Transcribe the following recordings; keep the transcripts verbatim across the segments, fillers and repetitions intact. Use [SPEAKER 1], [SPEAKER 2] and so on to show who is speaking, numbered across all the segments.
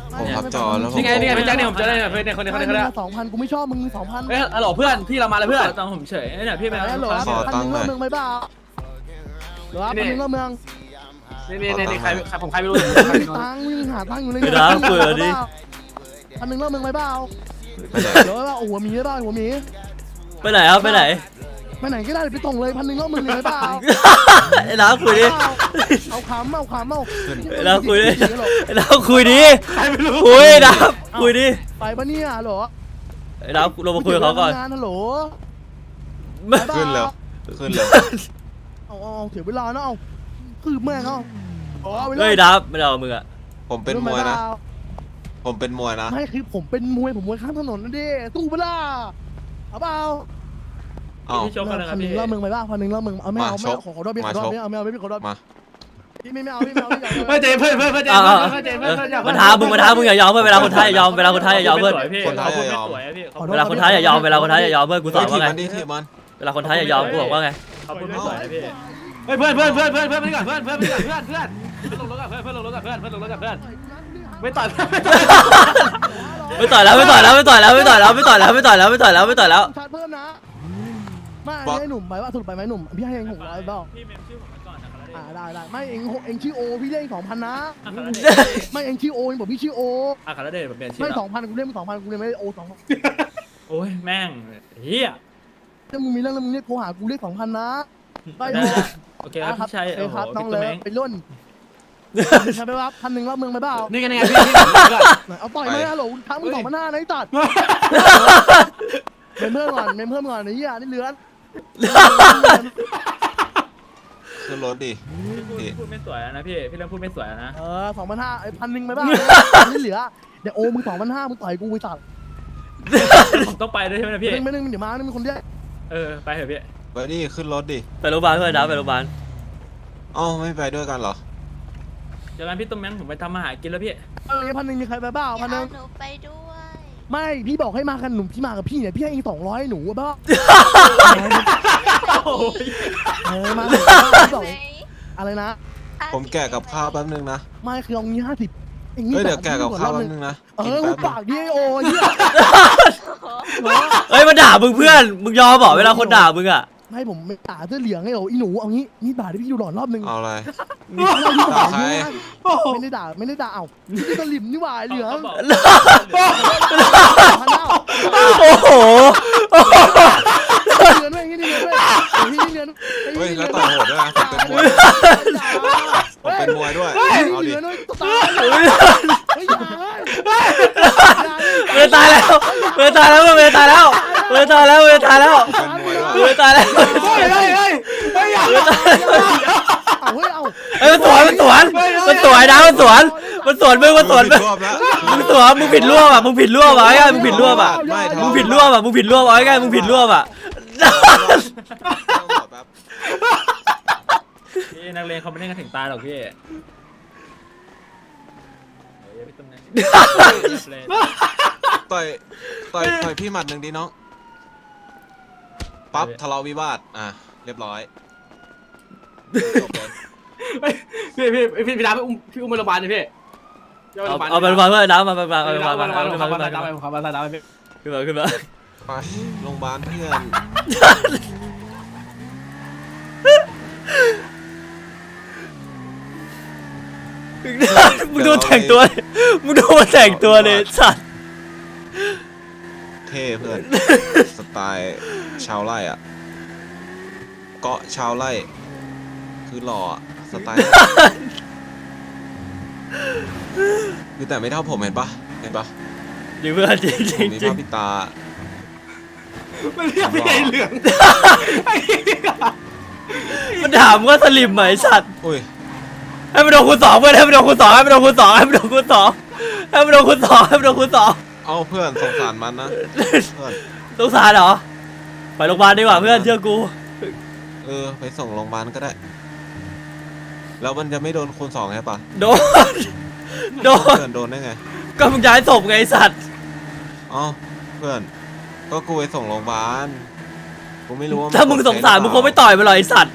[SPEAKER 1] ผมพับจอแล้วผม
[SPEAKER 2] นี่ไงนี่ไงพี่แจ็คเนี่ยผมเจอได้เนี่ยเพื่อนเนี่ยคนนี้คนนี้คนนี้
[SPEAKER 3] สองพันกูไม่ชอบมึงสองพัน
[SPEAKER 2] เอ้ยฮัลโหลเพื่อนพี่เรามาแล้วเพื่อนตังผมเฉยเนี่ยพี่ไป
[SPEAKER 3] ฮัลโหล
[SPEAKER 1] ขอ
[SPEAKER 3] พัน
[SPEAKER 1] ตั
[SPEAKER 3] ห
[SPEAKER 1] ง
[SPEAKER 3] นึ่
[SPEAKER 1] ค์
[SPEAKER 3] ง
[SPEAKER 1] หน่อย
[SPEAKER 3] เล่าเมืองไปเปล่าหรือว่าพันหนึ่งเล่าเมือง
[SPEAKER 2] นี่นี่นี่ใครใครผมใครไม่รู้
[SPEAKER 3] มีตังค์วิ่งหาตังค์อยู่เลยพันหนึ่งเล่าเมืองไปเปล่า
[SPEAKER 1] ไปไหน
[SPEAKER 3] เดี๋ยวว่าหัวหมีได้หัวหมี
[SPEAKER 4] ไปไหนครับไปไหน
[SPEAKER 3] ไปไหนก็ได้ไปส่งเลยพันหนึ่งเล่าเมืองเลยเปล่า
[SPEAKER 4] ไอ้น้าคุยดิ
[SPEAKER 3] เอาขำเอาขำเอา
[SPEAKER 4] ไอ้น้าคุยดิไอ้น้าคุยดิคุยนะคุยดิ
[SPEAKER 3] ไปปะเนี่ยหรอ
[SPEAKER 4] ไอ้น้าลงมาคุยกับเขาก่อน
[SPEAKER 3] งานฮัลโหล
[SPEAKER 1] ขึ้นแล้วขึ้นแล้ว
[SPEAKER 3] เอาเอาเสียเวลาเนาะเอาคือแม่งเอา
[SPEAKER 4] เฮ้ยดับไม่เอามึงอะ
[SPEAKER 1] ผมเป็นมวยนะ ผมเป็นมวยนะ
[SPEAKER 3] ไม่คือผมเป็นมวยผมมวยข้ามถนนนั่นดิสู้เปล่าเอาเปล่า
[SPEAKER 1] อ้าว
[SPEAKER 2] พี่ชกกันนะค
[SPEAKER 3] พั
[SPEAKER 2] รับ
[SPEAKER 3] นหนึ่
[SPEAKER 2] พี่
[SPEAKER 3] งเล่าเมืองไปบ้างพันหนึ่งเล่าเมืองเอาไม่เอา
[SPEAKER 1] มา
[SPEAKER 3] ไม่เอา
[SPEAKER 1] ชก
[SPEAKER 3] ขอขอโทษพี่ขอโทษพี่เอาไม่เอาไม่ขอโทษ
[SPEAKER 1] มา
[SPEAKER 3] พี่ไม่ไม่เอาพี่ไม่เอาพี่
[SPEAKER 2] เพื่อนเจเพื่อนเพื่อนเพื่อนเจ
[SPEAKER 4] เอา
[SPEAKER 2] เพื่อนเจเพื่อนเพื่อนเจ
[SPEAKER 4] มันท้ามึงมันท้ามึงอย่ายอมเพื่อนเวลาคนท้าอย่ายอมเวลาคนท้าอย่ายอมเพื่อน
[SPEAKER 1] คนท้าอย่ายอม
[SPEAKER 4] เวลาคนท้าอย่ายอมเวลาคนท้าอย่ายอมเพื่อนกูสอน
[SPEAKER 1] ถีบ
[SPEAKER 4] ว่าไง
[SPEAKER 1] มันดิถีบมัน
[SPEAKER 4] เวลาคนท้าอย่ายอมกูบอกว่าไง
[SPEAKER 2] เขาพูดไม่สวยนะพี่เฮ้ยเพื่อนเพื่อนเพื่อนเพื่อนเพื่อนไม่ก่อนเพื่อนเพื่อนไม่ก่อนเพื่อนเพื่อนลงรถกับเพื่อนเพื่อนลงรถกับเพื่อนเพื่อนลงรถกับเพื่อนไม่ต่อย
[SPEAKER 4] ไม่ต่อยแล้วไม่ต่อยแล้วไม่ต่อยแล้วไม่ต่อยแล้วไม่ต่อยแล้วไม่ต่อยแล้วไม่ต่อยแล้วไม่ต่อยแล้ว
[SPEAKER 3] ชาร์จเพิ่มนะไม่ให้หนุ่มไปว่าสรุปไปไหมหนุ่มพี่ให้เองหกร้อยเปล่า
[SPEAKER 2] พี่เมมชื่อผมไว้ก่อนนะครับ
[SPEAKER 3] อ่าได้ได้ไม่เองเองชื่อโอพี่เล่นสองพันนะไม่เองชื่อโอเองบอกพี่ชื่อโอ
[SPEAKER 2] อ่ะคาราเดชผมเปลี่ยนชื่อ
[SPEAKER 3] ไม่
[SPEAKER 2] แล้ว
[SPEAKER 3] สองพันกูเล่นสองพันกูเล่นไม่ได้โอสอง
[SPEAKER 2] โอ้ยแม่งเฮีย
[SPEAKER 3] ถ้ามึงมีเรื่องแล้วมึงเรียกโทรหากูเรียกสองพันนะได้
[SPEAKER 2] โอเคครับพี่ชัย
[SPEAKER 3] โอ
[SPEAKER 2] โอ้
[SPEAKER 3] เค
[SPEAKER 2] โห
[SPEAKER 3] ครับน้อง
[SPEAKER 2] พี่
[SPEAKER 3] เล
[SPEAKER 2] ตุ้
[SPEAKER 3] ย
[SPEAKER 2] มเม้ง
[SPEAKER 3] ไปรุ่นใช่ไหมครับพันหนึ่งรอบเมืองไปเปล่า
[SPEAKER 2] นี่ไงนี่ไงพี่พี่ผมก่อน
[SPEAKER 3] เอาต่อยมาฮัลโหลทั้งมึงสองพันห้านะไอ้ตัดเมมเพิ่มก่อนเมมเพิ่มก่อนไอ้เหี้ยนี่เลือน
[SPEAKER 1] ขึ้นรถดิ
[SPEAKER 2] พี่พูดไม่สวยนะพี่พี่เริ่มพูดไม่สวยนะ
[SPEAKER 3] เออสองพันห้าไอ้พันหนึ่งไปเปล่านี่เหลือเดี๋ยวโอมึงสองพันห้ามึงต่อยกูไปตัด
[SPEAKER 2] ผมต้องไปด้วยใช่ไหมพี่
[SPEAKER 3] ไม่นึงเดี๋ยวมานึงมีคนเดียว
[SPEAKER 2] เออไปเถอะพี่
[SPEAKER 1] ไปดิขึ้นรถดิ
[SPEAKER 4] ไปโรงพยาบาลเพื่อนดับไปโรงพยาบาล
[SPEAKER 1] เอ้าไม่ไปด้วยกันเหรอ
[SPEAKER 2] เจอกันพี่ตุ้มแมงผมไปทำอาหารกินแล้วพี่
[SPEAKER 3] เออพันหนึ่งมีใครไปเปล่าพันหนึ่ง
[SPEAKER 5] หนูไปด้วย
[SPEAKER 3] ไม่พี่บอกให้มากันหนุ่มพี่มากับพี่เนี่ยพี่ให้เองสองร้อยหนูเปล่าเออมาสองอะไรนะ
[SPEAKER 1] ผมแกะกับข้าวแป๊บนึงนะ
[SPEAKER 3] ไม่คือเอางี้ห้าสิบเอง
[SPEAKER 1] เฮ้ยเดี๋ยวแกะกับข้าวแป๊บนึงนะ
[SPEAKER 3] เอ
[SPEAKER 1] กิน
[SPEAKER 3] อ
[SPEAKER 1] แป๊บนึ
[SPEAKER 3] ปาง กดิโอ้ย
[SPEAKER 4] เฮ้ยมาด่ามึงเพื่อนมึงยอมบอกเวลาคนด่ามึงอะ
[SPEAKER 3] ให้ผมไม่ด่าเสื้อเหลืองไงโอ้อีหนูเอางี้นี่ด่าที่พี่ดูหลอนรอบนึง
[SPEAKER 1] เอาอะไร
[SPEAKER 3] ด่า
[SPEAKER 1] ใคร
[SPEAKER 3] ไม่ได้ด่าไม่ได้ด่าเอ้านี่สลิมนี่หว่าเหลือง
[SPEAKER 4] โอ้โห
[SPEAKER 3] เรือนด้วยนี่เรือนด้วยพี่เรือน
[SPEAKER 1] เฮ้ยแล้วต่อยโหดด้วยนะผมเป็นมวยผมเป็นมวยด้วยเอาดิ
[SPEAKER 3] เรือนด้วยตายเฮ้ยอย่า
[SPEAKER 4] เวตายแล้วเวตายแล้วเวตายแล้วเวตายแล้วเวตายแล้ว
[SPEAKER 1] เป็นมวยด้วย
[SPEAKER 4] เวตายแล้ว
[SPEAKER 2] เฮ้ยเฮ้ยเฮ้ยเฮ้ยอย่า
[SPEAKER 3] เอาเฮ้ยเอา
[SPEAKER 4] เฮ้ยมันสวนมันสวนมันสวยนะมันสวนมันสวนมึงมันสวนมึง
[SPEAKER 1] รอบแล้ว
[SPEAKER 4] มึงสวนมึงผิดร่วมอ่ะมึงผิดร่วมอ่ะไอ้ไงมึงผิดร่วมอ่ะ
[SPEAKER 1] ไม่ทะ
[SPEAKER 4] มึง
[SPEAKER 1] เลาะ
[SPEAKER 4] ผิดร่วมอ่ะมึงผิดร่วมอ่ะไอ้ไงมึงผิดร่วมอ่ะ
[SPEAKER 1] แป๊บ
[SPEAKER 2] พี่นักเลงเขาไม่เล่นกันถึงตายหรอกพี่พี่ตุ้มแมง
[SPEAKER 1] ต่อยต่อยต่อยพี่หมัดหนึ่งดิน้องปั๊บทะเลาะวิวาทอ่ะเรียบร้อยจบเลย
[SPEAKER 2] พี่พี่พี่พี่ดาพี่อุ้มพี่อุ้มไปโรงพยาบาลเลยพี่
[SPEAKER 4] เอาเอาไปโรงพยาบาลเพื่อนน้ำมาไปไปไปโรงพยาบาล
[SPEAKER 2] ไป
[SPEAKER 4] มา
[SPEAKER 2] โรงพยาบาล
[SPEAKER 4] ขึ้น
[SPEAKER 2] ไป
[SPEAKER 4] มา
[SPEAKER 2] โรงพยาบาลไปโรงพยาบาลไป
[SPEAKER 4] ขึ้นมาขึ้นมา
[SPEAKER 1] ไปโรงพยาบาลเพื่อน
[SPEAKER 4] มึงดูแต่งตัวมึงดูมาแต่งตัวเลยสัตว์
[SPEAKER 1] เท่เพื่อนสไตล์ชาวไร่อ่ะเกาะชาวไร่คือหล่ออะสไตล์คือแต่ไม่เท่าผมเห็นปะเห็นปะ
[SPEAKER 4] จริงเพื่อนจริงจ
[SPEAKER 1] ผ
[SPEAKER 4] ริ
[SPEAKER 1] ม
[SPEAKER 4] ง
[SPEAKER 1] มี
[SPEAKER 4] จริ
[SPEAKER 1] ผ้าง ปิดตา
[SPEAKER 2] ไม่เรียกพี่ไอ้เหลือง
[SPEAKER 4] มันถามว่าสลิมไหมสัตว์
[SPEAKER 1] อุ้ย
[SPEAKER 4] ให้มันโดนคูณสองเพื่อนให้มันโดนคูณสองให้มันโดนคูณสองให้มันโดนคูณสองให้มันโดนคูณสองให้มันโดนคูณสอง
[SPEAKER 1] เอาเพื่อนสงสารมันนะเพื่อน
[SPEAKER 4] สงสารเหรอไปโรงพยาบาลดีกว่าเพื่อนเชื่อกู
[SPEAKER 1] เออไปส่งโรงพยาบาลก็ได้ แล้วมันจะไม่โดนคูณสองใช่ปะ
[SPEAKER 4] โดนโดน
[SPEAKER 1] เพื่อนโดนได้ไง
[SPEAKER 4] ก็มึงย้ายศพไงไอ้สัตว์
[SPEAKER 1] เอ้าเพื่อนก็กูไปส่งโรงพยาบาลกูไม่รู้ว่า
[SPEAKER 4] ถ้ามึงสงสารมึงคงไม่ต่อยมันหรอกไอ้สัตว์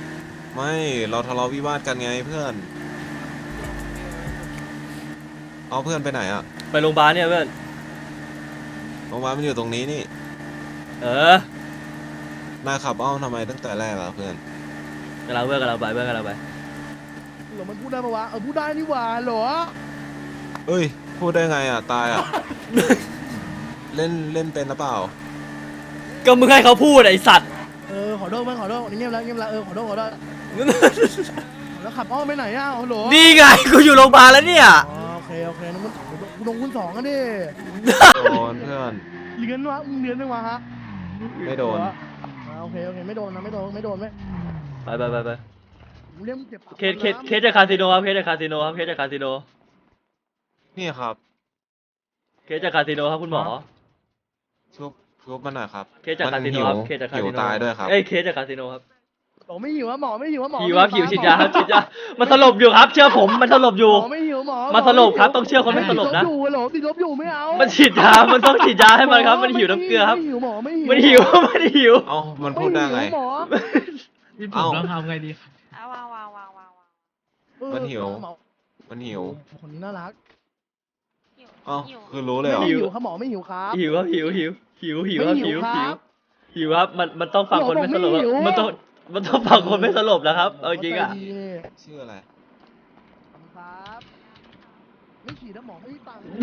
[SPEAKER 1] ไม่เราทะเลาะวิวาทกันไงเพื่อนเอาเพื่อนไปไหนอ่ะ
[SPEAKER 4] ไปโรงพยาบาลเนี่ยเพื่อน
[SPEAKER 1] โรงพยาบาลมันอยู่ตรงนี้นี่
[SPEAKER 4] เออน
[SPEAKER 1] ายขับอ้อมทำไมตั้งแต่แรกอ่ะเพื่อน
[SPEAKER 4] กำลังเพื่อนกำลังไปเพื่อนกำลังไป
[SPEAKER 3] หรอมันพูดได้ปะวะเออพูดได้นี่หว่าเหรอ
[SPEAKER 1] เอ้ยพูดได้ไงอ่ะตายอ่ะ เล่นเล่นเป็นหรือเปล่า
[SPEAKER 4] ก็มึงให้เขาพูดไอ้สัตว์
[SPEAKER 3] เออขอโทษมั้งขอโทษนี่เงียบแล้วเงียบแล้วเออขอโทษขอโทษแล้วขับอ้อมไปไหนอ่ะเหรอ
[SPEAKER 4] นี่ไงกูอยู่โรงพยาบาลแล้วเนี่ย
[SPEAKER 3] อ๋อโอเคโอเคนึกว่ากูลงคุณสองกันดิ
[SPEAKER 1] โดนเพื่อน
[SPEAKER 3] เลี้ยนวะมึงเลี้ยนได้วะฮะ
[SPEAKER 1] ไม่โดน
[SPEAKER 3] อ่าโอเคโอเคไม่โดนนะไม่โดนไม่โดนไม่
[SPEAKER 4] ไปไปไปไป
[SPEAKER 3] มึงเลี้ยงมึงเจ็บปาก
[SPEAKER 4] เคสเคสเคสจากคาสิโนครับเคสจากคาสิโนครับเคสจากคาสิโน
[SPEAKER 1] นี่ครับ
[SPEAKER 4] เคสจากคาสิโนครับคุณหมอ
[SPEAKER 1] ชุบชุบมันหน่อยครับ
[SPEAKER 4] เคสจากคาสิโนครับเคสจากคา
[SPEAKER 1] หิ
[SPEAKER 4] สิ
[SPEAKER 1] ว
[SPEAKER 4] โน
[SPEAKER 1] ตายด้วยครับ
[SPEAKER 4] เอ้ยเคสจากคาสิโนครับ
[SPEAKER 3] หมอไม่หิวอะหมอไม่หิวอะหมอ
[SPEAKER 4] หิวครับหิวฉีดยาครับฉีดยามันสลบอยู่ครับ เชื่อผมมันสลบอยู่
[SPEAKER 3] หมอไม่หิวหมอ
[SPEAKER 4] มันสลบครับต้องเชื่อคนไม่สลบนะ
[SPEAKER 3] ติดลบอยู่เหรอติดลบอยู่ไม่เอา
[SPEAKER 4] มันฉีดยา มันต้องฉีดยาให้มันครับ มันหิวน้ำเกลือครับ
[SPEAKER 3] ไม่หิวหมอไม่หิว
[SPEAKER 4] มันหิว มันหิว
[SPEAKER 1] เอ้ามันพูดได้ไง
[SPEAKER 3] ม่หิวหมอ
[SPEAKER 2] นี่ผมต้องทำไงดี
[SPEAKER 5] เอาวางวางวางวางวาง
[SPEAKER 3] เออ
[SPEAKER 1] มันหิว
[SPEAKER 3] หมอ
[SPEAKER 1] มันหิว
[SPEAKER 3] คนนี้น่ารัก
[SPEAKER 5] หิว
[SPEAKER 1] เอ้า
[SPEAKER 5] หิว
[SPEAKER 1] คือรู้เลยเหรอ
[SPEAKER 3] ไม่หิวครับหมอไม่หิวครับ
[SPEAKER 4] หิวครับหิวหิวหิวหิวครับ
[SPEAKER 3] ไม่หิ
[SPEAKER 4] หิว
[SPEAKER 3] วครั
[SPEAKER 4] หิว
[SPEAKER 3] บ
[SPEAKER 4] หิวครับ มันมันต้องฟังคนไม่สลบ
[SPEAKER 3] หมอบอกไม่หิว
[SPEAKER 4] มันต้องมันต้องฟังคนไม่สลบนะครับ เอาจริงอ่ะ
[SPEAKER 3] ใจดีนี่
[SPEAKER 1] ชื่ออะไร
[SPEAKER 3] ครับไม่ฉีดนะหมอไม่มีตังค์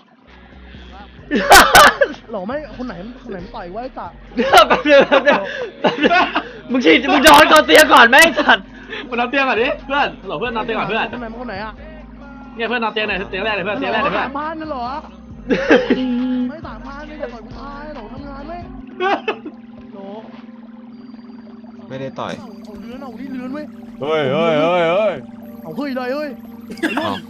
[SPEAKER 3] หรอไม่คนไหนคนไหนมันต่อยไว้ตัด
[SPEAKER 4] แป๊บเดียวแป๊บเดียวแป๊บเดียวมึงฉีดมึงโดนก่อนเตียก่อนไหมไอ้สัตว์
[SPEAKER 2] มานอนเตียงก่อนดิเพื่อนหลบเพื่อนนอนเตียงก่อนเพื่อน
[SPEAKER 3] คนไหนมันคนไหนอ่ะ
[SPEAKER 2] เนี่ยเพื่อนนอนเตียงไหนเตียงแรกเลยเพื่อนเตียงแรกเลยเพื่อน
[SPEAKER 3] สามพันนั่นเหรอไม่สามพันไม่จะต่อยกูตายหรอทำงานไหมโห
[SPEAKER 1] ไม่ได้ต่อย
[SPEAKER 3] เอาเลื้อนเอานี่เลื้อนเว้ย
[SPEAKER 1] เฮ้ยเฮ้ยเฮ้ยเฮ้ย
[SPEAKER 3] เอาเฮ้ยเลยเฮ้ย
[SPEAKER 1] เอ้า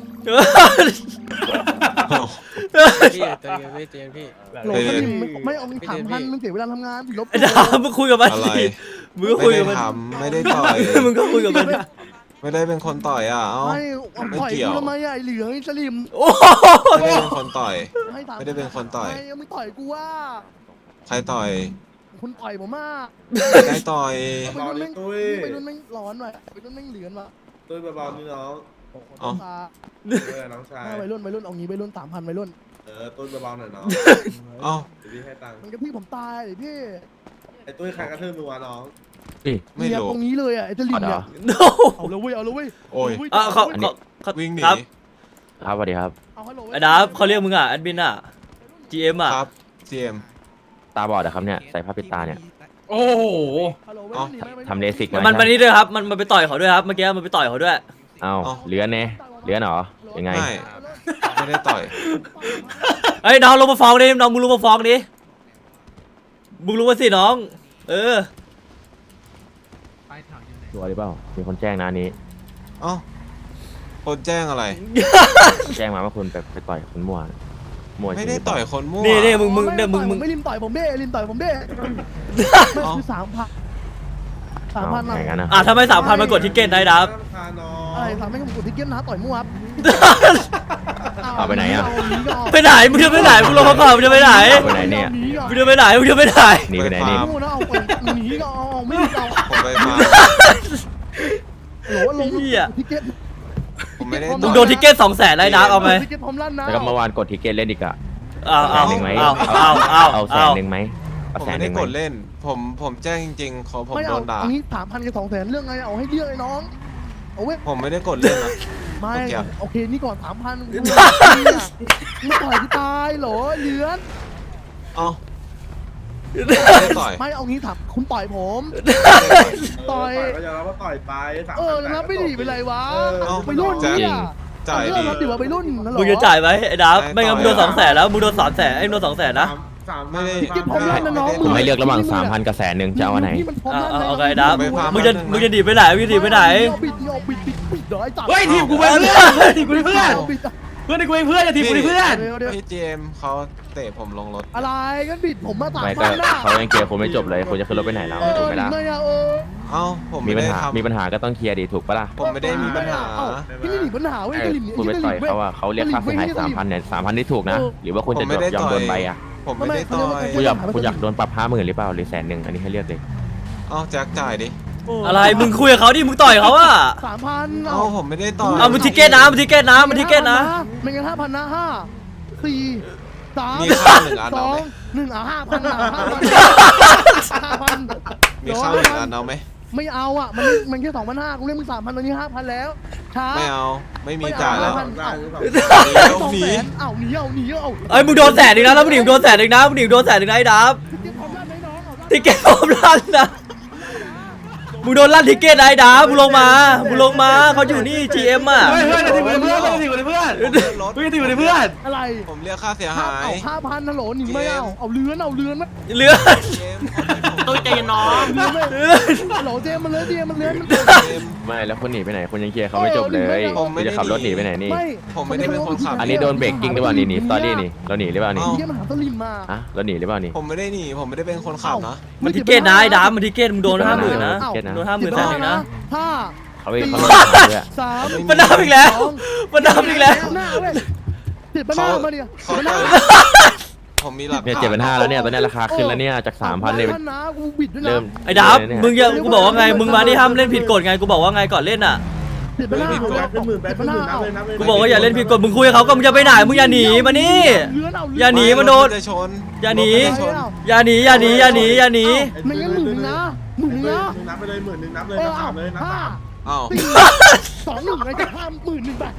[SPEAKER 6] พี่ใจเย็นพี่ใจเย็นพี่
[SPEAKER 3] โหลสลิมไม่เอาสามพันมึงเสียเวลาทำงานผิดลบ
[SPEAKER 4] ไอ้ดามึงคุยกับมัน
[SPEAKER 1] อะไร
[SPEAKER 4] สิมึงก็
[SPEAKER 1] ไม่
[SPEAKER 4] คุย
[SPEAKER 1] ได้
[SPEAKER 4] กับมัน
[SPEAKER 1] ทำไม่ได้ต่อย
[SPEAKER 4] มึงก็คุยกับมัน
[SPEAKER 1] ไม่ได้เป็นคนต่อยอ่ะ เอ้า
[SPEAKER 3] ไม่ปล่อยกูทำไมอ่ะไอเหลืองไอสลิม
[SPEAKER 4] โอ้
[SPEAKER 1] ไม่ได้เป็นคนต่อย
[SPEAKER 3] ให้ถา
[SPEAKER 1] ไม่ได้เป็นคนต่อย
[SPEAKER 3] ไม่มึงต่อยกูว่า
[SPEAKER 1] ใครต่อย
[SPEAKER 3] คุณต่อยผมมาก
[SPEAKER 1] ไม่ได้ต่อย
[SPEAKER 3] ไปรุ่นแม่งไปรุ่นแม่งร้อนว่ะไปรุ่นแม่งเหลือนว่ะ
[SPEAKER 6] ตุ้ยเบาๆนี่น้อง
[SPEAKER 1] เอ้า
[SPEAKER 6] เออน้องชาย
[SPEAKER 3] ไปรุ่นไปรุ่นเอางี้ไปรุ่นสามพันไปรุ่น
[SPEAKER 6] เออตุ้ยเบาๆหน่อยน้อง
[SPEAKER 1] เอ้า
[SPEAKER 6] เดี๋ยวพี่ให้ตังค์
[SPEAKER 3] มันก็พี่ผมตายดิพี่
[SPEAKER 6] ไอ้ตุ้ยใครกระทืบมือวะน้อง
[SPEAKER 1] ไม่
[SPEAKER 3] เนี่ย
[SPEAKER 1] รู้
[SPEAKER 3] ตรงนี้เลยอ่ะไอสลิมเนี่ย
[SPEAKER 4] โน
[SPEAKER 3] เอาเลยเว้ยเอาเลยเว้ย
[SPEAKER 1] โอ้ย
[SPEAKER 4] อ่ะเขาเขาเขา
[SPEAKER 1] วิ่งหนี
[SPEAKER 4] ครับ
[SPEAKER 7] ครับสวัสดีครับ
[SPEAKER 3] เอาฮัลโหล
[SPEAKER 4] ไอ้ดาเขาเรียกมึงอ่ะแอดมินอ่ะ จี เอ็ม อ่ะ
[SPEAKER 1] ครับซีเอ็ม
[SPEAKER 7] ตาบอดนะครับเนี่ย ใส่ผ้าปิดตาเนี่ย
[SPEAKER 2] โอ้โห
[SPEAKER 3] ฮัลโหล
[SPEAKER 1] เอ้า
[SPEAKER 7] ทำเลสิก
[SPEAKER 4] มันมันนี่ด้วยครับ มันมันไปต่อยเขาด้วยครับ เมื่อกี้มันไปต่อยเขาด้วย
[SPEAKER 7] เอ้า
[SPEAKER 1] เอ้า
[SPEAKER 7] เลื้อนเน่เลื้อนเหรอ ยังไง
[SPEAKER 1] ไม่ไม่ได้ต่อย
[SPEAKER 4] เฮ้ยน้องลงมาฟ้องดิน้องมึงลงมาฟ้องดิมึงรู้มาสิน้อง เออ
[SPEAKER 7] ตัวหรือเปล่า มีคนแจ้งนะอันนี้
[SPEAKER 1] เอ้าคนแจ้งอะไร
[SPEAKER 7] แจ้งมาว่าคุณไปไปต่อยคนมั่วมั่วจริ
[SPEAKER 1] ไม่
[SPEAKER 7] งห
[SPEAKER 1] ได้
[SPEAKER 7] รือเป
[SPEAKER 1] ต่
[SPEAKER 7] ล่า
[SPEAKER 1] อยคนมั่ว
[SPEAKER 4] นี่นี่มึงมึง
[SPEAKER 3] ไ
[SPEAKER 4] เนี่ยมึงมึง
[SPEAKER 3] ไม่ริมต่อยผมเด้ริมต่อยผมเด้ไม่คือสามพันสาม
[SPEAKER 7] เอ้า
[SPEAKER 3] พัน
[SPEAKER 7] อย่างนั้นนะ
[SPEAKER 4] อ่ะทำไมสามพันมากดทิกเก็ตได้ดับ
[SPEAKER 6] พาน้อง
[SPEAKER 3] อะไรสามพันก็ผมกดทิกเก็ตนะต่อยมั่วครับ
[SPEAKER 7] เอาไปไหนอ่ะ
[SPEAKER 4] ไปไหนมึงจะไปไหนมึงลงมาก่อนมึงจะไปไหน
[SPEAKER 7] เอาไปไหนเนี่ย
[SPEAKER 4] มึงจะไปไหนมึงจะไปไหน
[SPEAKER 7] หนีไปไหนนี่
[SPEAKER 3] มั่วนะเอาไปหนีก็เอาเอาไม่เอา
[SPEAKER 1] ผมไปฟาร์ม
[SPEAKER 3] โหลลงทิกเก็ต
[SPEAKER 1] ผมไม่ได้
[SPEAKER 4] มึ
[SPEAKER 1] ต่
[SPEAKER 4] ง
[SPEAKER 1] อย
[SPEAKER 4] โดนทิกเก็ตสองแสนได้ดับเอาไหม
[SPEAKER 3] ทิกเก็ตพร้อมลั่นนะ
[SPEAKER 7] แล้วก็เมื่อวานกดทิเกตเล่นอีกอะ
[SPEAKER 4] เอาเอา
[SPEAKER 7] แสนหนึ่งไหม
[SPEAKER 4] เอาเอาเอา
[SPEAKER 7] เอาแส
[SPEAKER 4] เอา
[SPEAKER 7] นหนึ่งไหมเอา
[SPEAKER 1] ผม
[SPEAKER 7] แสน
[SPEAKER 1] ไม่
[SPEAKER 7] ห
[SPEAKER 1] ได้
[SPEAKER 7] นึ่งไหม
[SPEAKER 1] กดเล่น ผมผมแจ้งจริงๆเขาผม
[SPEAKER 3] ไม่
[SPEAKER 1] โด
[SPEAKER 3] เอา
[SPEAKER 1] นด่า
[SPEAKER 3] อันนี้สามพันกับสองแสนเรื่องไงเอาให้เรื่องไอ้น้องเอาเว้ย
[SPEAKER 1] ผมไม่ได้กดเล่นนะ
[SPEAKER 3] ไม่
[SPEAKER 1] โอเค
[SPEAKER 3] โอเคนี่ก่อนสามพันมึงต่อยกูตายเหรอเหลือน
[SPEAKER 1] เอ้าไม่ได้ต่อย
[SPEAKER 3] ไม่เอางี้ถามคุณต่อยผม ต่อย
[SPEAKER 6] ก็ยอมรับว่าต่อยไปสาม
[SPEAKER 3] เออแล้วไม่ดีเป็นไรวะ
[SPEAKER 1] เอ้า
[SPEAKER 3] ไปรุ่นเนี่ย
[SPEAKER 1] จ่าย
[SPEAKER 3] เอ
[SPEAKER 1] ดี
[SPEAKER 3] อรับดีว่าไปรุ่นนั่นเหรอ
[SPEAKER 4] มึงจะจ่ายไหมไอ้ดับ
[SPEAKER 1] ได้
[SPEAKER 4] ไม่งั้นมึงโดน
[SPEAKER 1] ต่
[SPEAKER 4] ส
[SPEAKER 1] อ
[SPEAKER 4] องแสนแล้วมึงโดนสามแสนไอ้มึงโดนสองแสนนะ
[SPEAKER 6] สาม
[SPEAKER 1] ไม่ได้
[SPEAKER 3] ทิกเก็ตพร้อมลั่นนะน้อง
[SPEAKER 7] ผมให้เลือกระหว่างสามพันกับแสนหนึ่งจะเอาอันไหน
[SPEAKER 3] นี่มันพร้อม
[SPEAKER 4] เอา
[SPEAKER 3] ลั่น
[SPEAKER 4] เอา
[SPEAKER 3] นะ
[SPEAKER 4] เอาไงดับ
[SPEAKER 1] ไม่พา
[SPEAKER 4] มึงจะมึงจะหนีไปไหนมึงจะหนีไปไหน
[SPEAKER 3] เอาบิดเอาบิดบิดบิดเดี๋ยวไอ้จับ
[SPEAKER 2] เฮ้ยทีมกูเป็นเพื่อนทีมกูเป็นเพื่อน
[SPEAKER 3] าบิดอะ
[SPEAKER 2] เพื่อนกูเป็นเพื่อนอย่าทีมกูเป็นเพื่อน
[SPEAKER 3] เดี๋ยวเดี๋ยว
[SPEAKER 1] พี่เจมส์เขาเตะผมลงรถ
[SPEAKER 3] อะไรกันบิดผมมาสาม
[SPEAKER 7] ไม่ก็
[SPEAKER 3] พันนะ
[SPEAKER 7] เขายังเคลียร์คุณไม่จบเลยคุณจะขึ้นรถไปไหนแล้ว
[SPEAKER 3] เออ
[SPEAKER 7] ถูกไหมล่ะ
[SPEAKER 3] ไม่อะเออ
[SPEAKER 1] เอ้าผม
[SPEAKER 7] มี
[SPEAKER 1] ไม่
[SPEAKER 7] ปัญ
[SPEAKER 1] ได้
[SPEAKER 7] หา
[SPEAKER 1] ทำ
[SPEAKER 7] มีปัญหาก็ต้องเคลียร์ดิถูกปะล่ะ
[SPEAKER 1] ผมไม่ได้มีปัญหา
[SPEAKER 3] เอ้พี่นี่หนีปัญหาเว้ย
[SPEAKER 7] เออ
[SPEAKER 3] จะหลีหนี
[SPEAKER 7] คุณไปต่อยเขาอะเขาเรียกค่าเสียหายสามพันเนี่ยสามพันที่ถูกนะ หรือว่าคุณจะยอมโดนใบอะ
[SPEAKER 1] ผมไม่ได้ต่อย
[SPEAKER 7] คุณอยากคุณอยากโดนปรับห้าหมื่นหรือเปล่าหรือแสนหนึ่งอันนี้ให้เลือกเลย
[SPEAKER 1] เอ้าแจ็คจ่ายดิ
[SPEAKER 4] อะไรมึงคุยกับเขาดิมึงต่อยเขาอะ
[SPEAKER 3] สามพัน
[SPEAKER 1] เอ้าผมไม่ได้ต่อย
[SPEAKER 4] เอามึงทิเกตนะมึงทิเกตนะมึงทิเกตนะ
[SPEAKER 3] ไม่งั้นห้าพันนะห้าสี่สาม
[SPEAKER 1] มีข้าวหนึ่งอัน
[SPEAKER 3] ส
[SPEAKER 1] เอา
[SPEAKER 3] อ
[SPEAKER 1] ไหม
[SPEAKER 3] งหนึ่งอ่ะห้าพันอ่ะห้าพันห้าพัน
[SPEAKER 1] มีข้าวหนึ่งอันเอาไหม
[SPEAKER 3] ไม่เอาอ่ะมันมันแค่สองพันห้ากูเรียกมึงสามพันตอนนี้ห้าพันแล้วช้า
[SPEAKER 1] ไม่เอาไม่มีจ่ายแล้ว
[SPEAKER 3] ไม่
[SPEAKER 6] ได้
[SPEAKER 3] เอา
[SPEAKER 6] หรือเปล่า
[SPEAKER 1] เดี๋ยว
[SPEAKER 3] สอง
[SPEAKER 1] หนี
[SPEAKER 3] แสนเอ้าหนีเอาหนีเอา
[SPEAKER 4] เอ้ยมึงโดนแสนหนึ่งนะแล้วมึงหนีมึงโดนแสนหนึ่งนะมึงหนีมึงโดนแสนหนึ่งนะไอ้ดับ
[SPEAKER 3] เก็บความลับไหมน้องเอา
[SPEAKER 4] ทิเกตผมลั่นนะมึงโดนลั่นทิเกตนะไอ้ดับมึงลงมามึงลงมาเขาอยู่นี่ จี เอ็ม อ่ะ
[SPEAKER 2] เฮ้ยเพื่อนจะถีบกูเลยเพื่อนจะถีบกูเลยเพื่อน
[SPEAKER 1] รถ
[SPEAKER 2] เพื่อนจะถีบกูเลยเพื่อน
[SPEAKER 3] อะไร
[SPEAKER 1] ผมเรียกค่าเสียหาย
[SPEAKER 3] เอาห้าพันนะโหลหนีไม่เอาเอาเรือนเอาเรือนไหม
[SPEAKER 4] เลือด
[SPEAKER 1] เจมส์
[SPEAKER 2] ตุ้ยใจเย็นน้อง
[SPEAKER 3] เรือนไหมโหลเจมมันเลยเจมมันเรือนมัน
[SPEAKER 1] เจมส์
[SPEAKER 7] ไม่แล้วคุณหนีไปไหนคุณยังเคลียร์เขาไม่จบเลย
[SPEAKER 1] ผมไม่
[SPEAKER 7] คุณ
[SPEAKER 1] ได้
[SPEAKER 7] จะขับรถหนีไปไหนนี่
[SPEAKER 3] ไม่
[SPEAKER 1] ผมไม่ได้เป็นคนขับ
[SPEAKER 7] อันนี้โดนเบรกกิ้งหรือเปล่านี่นี่สตอรี่นี่เราหนีหรือเปล่านี่
[SPEAKER 3] เฮียมันหาสลิมมา
[SPEAKER 7] อะเราหนีหรือเปล่านี่
[SPEAKER 1] ผมไม่ได้หนีผมไม่ได้เป็นคนขับนะ
[SPEAKER 4] มันทิเกตนะไอ้ดับมันทิเกตมึงโดนห้าหมื่นนะ
[SPEAKER 7] เก็ตนะ
[SPEAKER 4] โดนห้าหมื่นแสนหนึ่งนะ
[SPEAKER 3] ห้า
[SPEAKER 7] เขาไปเขาลงมาด้วย
[SPEAKER 3] สาม
[SPEAKER 4] มันดับอีกแล้วมันดับอีกแล้ว
[SPEAKER 3] หน้าเว้ยติดบ้าหน้ามาดิ
[SPEAKER 1] เขา
[SPEAKER 3] หน้า
[SPEAKER 1] ผมมีหลัก
[SPEAKER 7] เนี่ย
[SPEAKER 1] ฐาน
[SPEAKER 7] เจ็ดพันห้าแล้วเนี่ยตอนนี้ราคาขึ้นแล้วเนี่ยจากสามพันเนี่ย
[SPEAKER 3] พันนะกูบิดด้วยนะ
[SPEAKER 7] เริ่ม
[SPEAKER 4] ไอ้ดับมึงอย่ากูบอกว่าไงมึงมานี่ห้ามเล่นผิดกฎไงกูบอกว่าไงก่อนเล่นอ่ะ
[SPEAKER 3] ติดบ้าหน้า
[SPEAKER 6] หมื่นแปดเป็นหมื่นแปดเป็นหมื่นนับเลยนับเลย
[SPEAKER 4] กูบอกว่าอย่าเล่นผิดกฎมึงคุยกับเขาก็มึงจะไปไหนมึงอย่าหนีมานี่
[SPEAKER 3] เลื้อนเอา
[SPEAKER 4] อย่าหนีมันโดน
[SPEAKER 1] จะชน
[SPEAKER 4] อย่าหนี
[SPEAKER 1] รถจะชน
[SPEAKER 4] อย่าหนีอย่าหนีอย่าหนีอย่าหนี
[SPEAKER 3] ไม่งั้นหมื่นหนึ่งนะหมื่นหนึ่งนะ
[SPEAKER 6] นับไปเลยหมื่นหนึ่งนับเลย
[SPEAKER 3] เอ
[SPEAKER 6] นั
[SPEAKER 3] อบ
[SPEAKER 6] สามเลยนับ
[SPEAKER 3] ห้า
[SPEAKER 6] สาม
[SPEAKER 1] อ้าว
[SPEAKER 3] สี่สองหนึ่งอะไรจะห้าหมื่นหนึ่งไป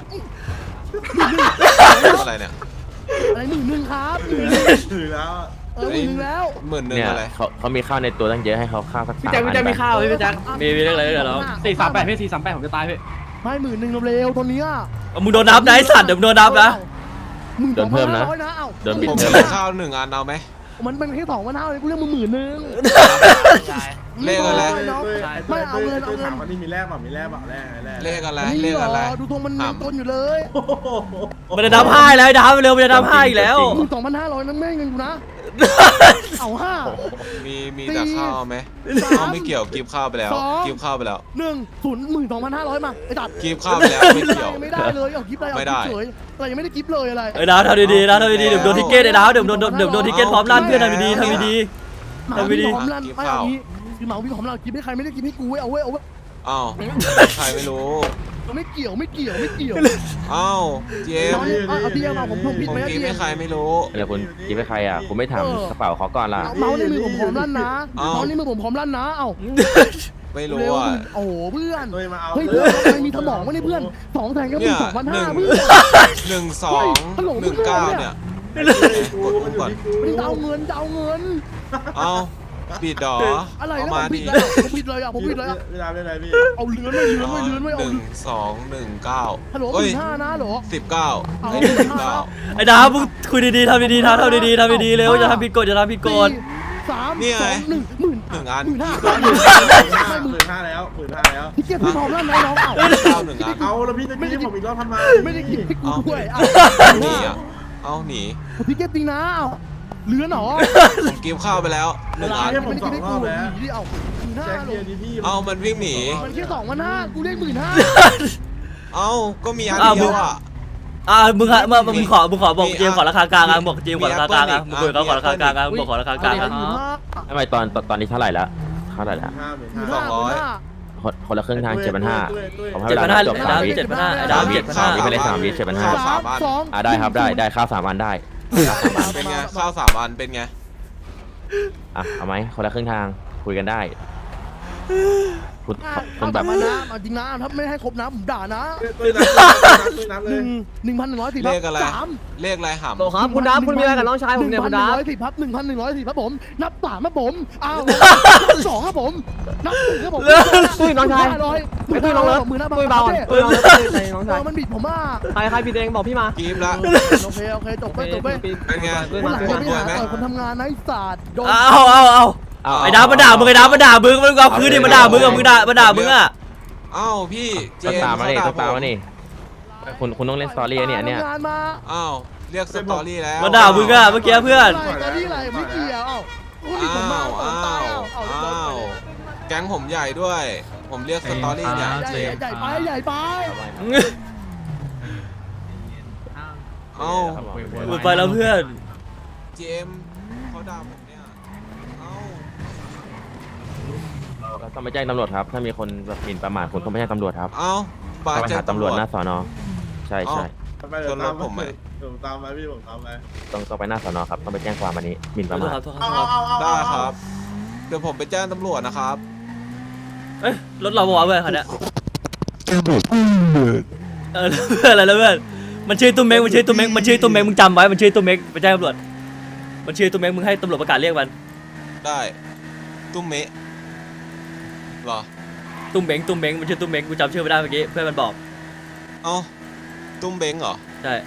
[SPEAKER 1] อะไรเนี่ย
[SPEAKER 3] อะไรหมื่นหนึ่งครับหมื่นห
[SPEAKER 6] ถือแล้ว
[SPEAKER 3] เออหมื่นหนึ่งแล้ว
[SPEAKER 1] หมื่นหนึ่ง
[SPEAKER 7] เนี่ย
[SPEAKER 1] อะไร
[SPEAKER 7] เขาเขามีข้าวในตัวตั้งเยอะให้เขาข้าวสัก
[SPEAKER 2] พี่
[SPEAKER 7] สาม
[SPEAKER 2] แจ็ค
[SPEAKER 7] อั
[SPEAKER 2] พี่
[SPEAKER 7] น
[SPEAKER 2] แจ็คมีข้าวไหมพี่แจ็ค
[SPEAKER 4] มีมีเรื่องอะไรเดี๋ยวเรา
[SPEAKER 2] สี่สามแปดพี่สี่สามแปดผมจะตายพี่
[SPEAKER 3] ไม่หมื่นหนึ่งเร็วๆตัวนี้อ่ะ
[SPEAKER 4] มึงโดนนับนะไอ้สัตว์เดี๋ยวมึงโดนนับนะ
[SPEAKER 3] หมื่น
[SPEAKER 7] โดนเพิ่มนะ
[SPEAKER 3] ร้อยนะเอ้า
[SPEAKER 7] โดนบิด
[SPEAKER 1] ผม
[SPEAKER 7] เพิ่ม
[SPEAKER 1] มี
[SPEAKER 7] นะ
[SPEAKER 1] ข้าวหนึ่งอันเอาไหม
[SPEAKER 3] มันเป็นแค่สองพันห้าเลยกูเรียกมึงหมื่นหนึ่ง
[SPEAKER 1] เลขอะไร
[SPEAKER 3] น้อง
[SPEAKER 6] ไม่
[SPEAKER 3] ไม่เอาเงินเอาเงิน
[SPEAKER 6] ถามว่านี่มีแลกเปล่ามีแลกเปล่าแลกแลก
[SPEAKER 1] เลขอะไร
[SPEAKER 3] นี่
[SPEAKER 1] เลข
[SPEAKER 3] เหร
[SPEAKER 1] อะไร
[SPEAKER 3] อดูทรงมันมีต้นอยู่เลย
[SPEAKER 4] มันจะนับห้าแล้วไอ้ดับเร็วมันจะนับห้าอีกแล้ว
[SPEAKER 3] หมื่นสองพันห้าร้อยนั่นแม่งเงินกูนะเอาห้า
[SPEAKER 1] มีมีแต่ข้าวไหม
[SPEAKER 3] สาม
[SPEAKER 1] ข้าวไม่เกี่ยวกิฟข้าวไปแล้ว
[SPEAKER 3] สอง
[SPEAKER 1] กิฟข้าวไปแล้ว
[SPEAKER 3] หนึ่งศูนย์หมื่นสองพันห้าร้อยมาไอ้ตัด
[SPEAKER 1] กิฟข้าวไปแล้วไม่เกี่ยว
[SPEAKER 3] ไม่ได้เลยเอากิฟต์อะไรเอา
[SPEAKER 1] ไม่
[SPEAKER 3] กิ
[SPEAKER 1] ได้
[SPEAKER 3] ฟต์เฉยอะไรยังไม่ได้กิฟต์เลยอะไร
[SPEAKER 4] ไอ้ดาวทำดีๆนะทำดีๆเดี๋ยวโดนทิเกตไอ้ดาวเดี๋ยวโดนเดี๋ยวโดนทิเกตพร้อมลั่นเพื่อนทำดีๆทำดี
[SPEAKER 3] หมา
[SPEAKER 4] ทำไม่ดี
[SPEAKER 3] พี่หอมลั่นไม่เอางี้คือหมาพี่หอมลั่นกิฟต์ให้ใครไม่ได้กิฟต์ให้กูเว้ยเอาเว้ยเอาเว้ย
[SPEAKER 1] อ้าวใครไม่รู้
[SPEAKER 3] ไม่เกี่ยวไม่เกี่ยวไม่เกี่ยว
[SPEAKER 1] อ้าวเจม
[SPEAKER 3] น้อย
[SPEAKER 1] ส์
[SPEAKER 3] เอาเอาพี่เอามาผมผมผิด
[SPEAKER 1] ผม
[SPEAKER 3] ไหม
[SPEAKER 1] กิฟ
[SPEAKER 3] พี่
[SPEAKER 1] ให้ใครไม่รู้
[SPEAKER 7] แล้วคุณกินไปใครอ่ะคุณไม่ถามกระเป๋าเขาก่อนล่ะ
[SPEAKER 3] เมาส์ในมือผมหอมลั่นนะ
[SPEAKER 1] เอ้า
[SPEAKER 3] เมาส์ในมือผมหอมลั่นนะเอ้า
[SPEAKER 1] ไม่รู้
[SPEAKER 3] เร็ว
[SPEAKER 1] อ่ะ
[SPEAKER 3] โอ้โหเพื่อน
[SPEAKER 6] เลยมาเอา
[SPEAKER 3] เฮ้ย
[SPEAKER 6] เล
[SPEAKER 3] เพื่อน
[SPEAKER 6] ย
[SPEAKER 3] ทำไมมีสมองวะเนี่ยเพื่อนสองแสนก็
[SPEAKER 1] เนี่
[SPEAKER 3] มี
[SPEAKER 1] ย
[SPEAKER 3] สองพัน
[SPEAKER 1] ห
[SPEAKER 3] ห้า
[SPEAKER 1] นึ่ง
[SPEAKER 3] เพื่อน
[SPEAKER 1] หนึ่งสองหนึ่งเก้าเนี่ยกดอุ้มก่อน
[SPEAKER 3] ไม่จะเอาเงินจะเอาเงิน
[SPEAKER 1] เอ้าบิดดอ
[SPEAKER 3] อะไร
[SPEAKER 1] เอา
[SPEAKER 3] นะผ
[SPEAKER 1] มาม
[SPEAKER 3] ผิ
[SPEAKER 1] ดิ
[SPEAKER 3] ดเลยผมผิดเลยอ่ะผมผิดเลยอ่ะ
[SPEAKER 6] เวลาเป็นไรพี่
[SPEAKER 3] เอาเลือนไม่เลือนไม่เลือนไม่
[SPEAKER 1] ห
[SPEAKER 3] เอา
[SPEAKER 1] นึ่งสองหนึ่งเก้า
[SPEAKER 3] ฮัลโหลห
[SPEAKER 1] เฮ้ย
[SPEAKER 3] มื่นห้านะเหรอ
[SPEAKER 1] สิบเก้า
[SPEAKER 3] เอา
[SPEAKER 1] ไอ้หนึ่งเก้า
[SPEAKER 4] ๆไอ้ดาวมึงคุยดีๆทำดีๆทำทำดีๆทำดีๆเร็วอย่าทำผิดกฎอย่าทำผิดกฎ
[SPEAKER 3] สี่สาม
[SPEAKER 1] นี่ไง
[SPEAKER 3] สองหนึ่งหมื่น
[SPEAKER 1] หนึ่งอัน
[SPEAKER 3] หมื่นห้า
[SPEAKER 6] หมื่นห้าหมื่นห้าแล้วหมื่นห้าแล้ว
[SPEAKER 3] พี่เก็บพี่พร้อมแล้วนะน้องเอา
[SPEAKER 1] เก้าหนึ่งอัน
[SPEAKER 6] เอาแล้วพี่ตะกี้ผมอีกรอบทำไม
[SPEAKER 3] ไม่ได้กินให้กู
[SPEAKER 1] เอา
[SPEAKER 3] ด้วยเอา
[SPEAKER 1] หนีอ่ะเอาหนี
[SPEAKER 3] พี่เก็บจริงนะเอาเลือนเหรอ
[SPEAKER 1] ผมกิฟข้าวไปแล้วหนึ่งอัน
[SPEAKER 3] ไม่ได้กินให้กูหนีดิเอาหมื่นห้า
[SPEAKER 6] แจ็ค
[SPEAKER 3] หร
[SPEAKER 6] เกีย
[SPEAKER 3] อ
[SPEAKER 6] ร์ดีพี่
[SPEAKER 1] เอามันวิ่งหนี
[SPEAKER 3] มันแค่สองพันห้ากูเรียกหมื่นห้า
[SPEAKER 1] เอาก็มีอัน
[SPEAKER 4] อ้าว
[SPEAKER 1] เดียวอ่ะ
[SPEAKER 4] อ่ามึงฮะมึงมึงขอมึงขอบอก
[SPEAKER 1] มี
[SPEAKER 4] เจมส์ขอราคากลางอ่ะบอกเจมส์ขอราคากลางอ่ะ
[SPEAKER 1] มี
[SPEAKER 4] มึงคุยกับเขาขอราคากลางอ่ะ
[SPEAKER 1] มี
[SPEAKER 4] มึงบอกขอราคากลางอ่ะ
[SPEAKER 3] หมื่นห้า
[SPEAKER 7] ทำไมตอนตอนตอนนี้เท่าไหร่ละเท่าไหร่ละ
[SPEAKER 6] ห้าหมื่น
[SPEAKER 3] หมื่น
[SPEAKER 6] ห้า
[SPEAKER 3] ห้าหมื่นห้า
[SPEAKER 7] คนคนละครึ่งทางเจ็ดพันห้าผมให้
[SPEAKER 4] เจ็
[SPEAKER 7] เว
[SPEAKER 4] ด
[SPEAKER 7] ลา
[SPEAKER 4] พันห้า
[SPEAKER 7] จบ
[SPEAKER 4] ไอ้
[SPEAKER 7] สา
[SPEAKER 4] ดาม ว
[SPEAKER 7] วิ
[SPEAKER 4] เจ็ดพันห้าไอ้ดาวเจ็ดพันห้า
[SPEAKER 7] นี่ไปเลยสามวิเจ็ดพันห้า
[SPEAKER 1] สามอัน
[SPEAKER 3] สอง
[SPEAKER 7] อ่าได้ครับได้ได้ข้าวสามอันได้
[SPEAKER 1] เป็นไงข้าวสามอันเป็นไง
[SPEAKER 7] อ่ะเอาไหมคนละครึ่งทางคุยกันได้คุณคุ
[SPEAKER 3] เอา
[SPEAKER 7] ณ
[SPEAKER 3] แบ
[SPEAKER 7] แบบ บ
[SPEAKER 3] มานะเอาจริงนะถ้าไม่ให้ครบนะผมด่านะ
[SPEAKER 6] ตุ้ยนับตุ้ยนับ
[SPEAKER 3] ห
[SPEAKER 6] เล
[SPEAKER 3] นึ่
[SPEAKER 6] ย
[SPEAKER 3] งหนึ่งพันหนึ่งร้อยสี่
[SPEAKER 1] เลขอะไร
[SPEAKER 3] สาม
[SPEAKER 1] เลขอะไรหำ
[SPEAKER 2] โหครับคุณดับคุณมีอะไรกับน้องชายผมเนี่ยคุณดับ
[SPEAKER 3] หนึ่งพันหนึ่งร้อยสี่ครับหนึ่งพันหนึ่งร้อยสี่ครับผมนับสามครับผมอ้าวนับสองครับผมนับหนึ่งครับผม
[SPEAKER 2] ตุ้ยน้องชาย
[SPEAKER 3] ห้าร้อย
[SPEAKER 2] ไอ้ตุ้ยน้องเลิฟ
[SPEAKER 3] หมื่นห้าพัน
[SPEAKER 2] ตุ้ยเบาก่อน
[SPEAKER 3] เอ
[SPEAKER 2] ตุ้ย
[SPEAKER 3] อ
[SPEAKER 2] น้องเลิฟตุ้ยใจน้อง
[SPEAKER 3] เอ
[SPEAKER 2] ชาย
[SPEAKER 3] อมันบิดผมอ่ะ
[SPEAKER 2] ใครใครพี่เดงบอกพี่มา
[SPEAKER 1] กิฟละ
[SPEAKER 3] โอเคโอเคจบไปจบไป
[SPEAKER 1] เป็นไง
[SPEAKER 2] ตุ้ย
[SPEAKER 3] วัน
[SPEAKER 2] มา
[SPEAKER 3] หลัง
[SPEAKER 2] ตุ้ย
[SPEAKER 3] จะ
[SPEAKER 2] มา
[SPEAKER 3] ไปหาต่อยคนทำงานนะไอ้ศาสตร์โดน
[SPEAKER 4] เอาเอาเอา
[SPEAKER 7] เอา
[SPEAKER 4] ไอ้ดาวมาด่ามึงไอ้ดาวมาด่ามึงมันเอาคืนดิมาด่ามึงอะมึงด่ามาด่ามึงอะ
[SPEAKER 1] เอ้าพี่เจ
[SPEAKER 7] ต้อง
[SPEAKER 1] ม
[SPEAKER 7] ตาม
[SPEAKER 1] ส์
[SPEAKER 7] มา
[SPEAKER 1] เขา
[SPEAKER 7] นี่
[SPEAKER 1] ด่า
[SPEAKER 7] ต้องตามมานี่คุณคุณต้องเล่นสตอรี่เนี่ยเนี่ย
[SPEAKER 3] ทำงานมา
[SPEAKER 1] เอ้าเรียกสตอรี่แล้ว
[SPEAKER 4] มาด่ามึงอะเมื่อกี้เพื่อน
[SPEAKER 3] อะไรตอนนี้อะไรไม่เกี่ยวเอ้าคนที่ผมมา
[SPEAKER 1] อ้าว
[SPEAKER 3] เอา
[SPEAKER 1] อ้า
[SPEAKER 3] ตาย
[SPEAKER 1] ว
[SPEAKER 3] เอาเอา
[SPEAKER 1] อ้าวแก๊งผมใหญ่ด้วย ผมเรียกสตอรี่เนี่ย
[SPEAKER 3] ใหญ่
[SPEAKER 1] เจมส์
[SPEAKER 3] ใหญ่ไปใหญ่ไป
[SPEAKER 1] เอ้า
[SPEAKER 4] หมดไปแล้วเพื่อน
[SPEAKER 1] เจมส์เขาด่าผมเนี่ยเอ้า
[SPEAKER 7] เราต้องไปแจ้งตำรวจครับ ถ้ามีคนแบบหมิ่นประมาทคุณต้องไปแจ้งตำรวจครับ
[SPEAKER 1] เอ้าปา
[SPEAKER 7] ต้องไป
[SPEAKER 1] แจ้
[SPEAKER 7] หาง ตำ
[SPEAKER 1] ตำ
[SPEAKER 7] ร
[SPEAKER 1] ร
[SPEAKER 7] ว
[SPEAKER 1] ว
[SPEAKER 7] จ
[SPEAKER 1] จ
[SPEAKER 7] หน้าสอนอใช่ใช่
[SPEAKER 6] ไปเดี๋ยวตาม
[SPEAKER 1] ชนรถผมไหม
[SPEAKER 6] เดี๋ยวตามไปพี่ผมตามไป
[SPEAKER 7] ต้องต้องไปหน้าสอนอครับ ต้องไปแจ้งความอันนี้หมิ่นประ
[SPEAKER 4] โท
[SPEAKER 7] มา
[SPEAKER 4] ษ
[SPEAKER 7] ท
[SPEAKER 4] ครับโทษค
[SPEAKER 6] เอา
[SPEAKER 4] รับ
[SPEAKER 6] เอาเอาเอา
[SPEAKER 1] ได้ครับ เดี๋ยวผมไปแจ้งตำรวจนะครับ
[SPEAKER 4] เอ้ยรถเราบอกว่าเพื่อนคันเนี้ยเออเพื่อนอะไรแล้วเพื่อนมันชื่อตุ้มเม้งมันชื่อตุ้มเม้งมันชื่อตุ้มเม้งมึงจำไว้มันชื่อตุ้มเม้งไปแจ้งตำรวจมันชื่อตุ้มเม้งมึงให้ตำรวจประกาศเรียกมัน
[SPEAKER 1] ได้ตุ้มเมะเหรอ
[SPEAKER 4] ตุ้มเม้งตุ้มเม้งมันชื่อตุ้มเม้งกูจำชื่อไม่ได้เมื่อกี้เพื่อนมันบอก
[SPEAKER 1] เอ้าตุ้มเบงเหรอ
[SPEAKER 4] ใช่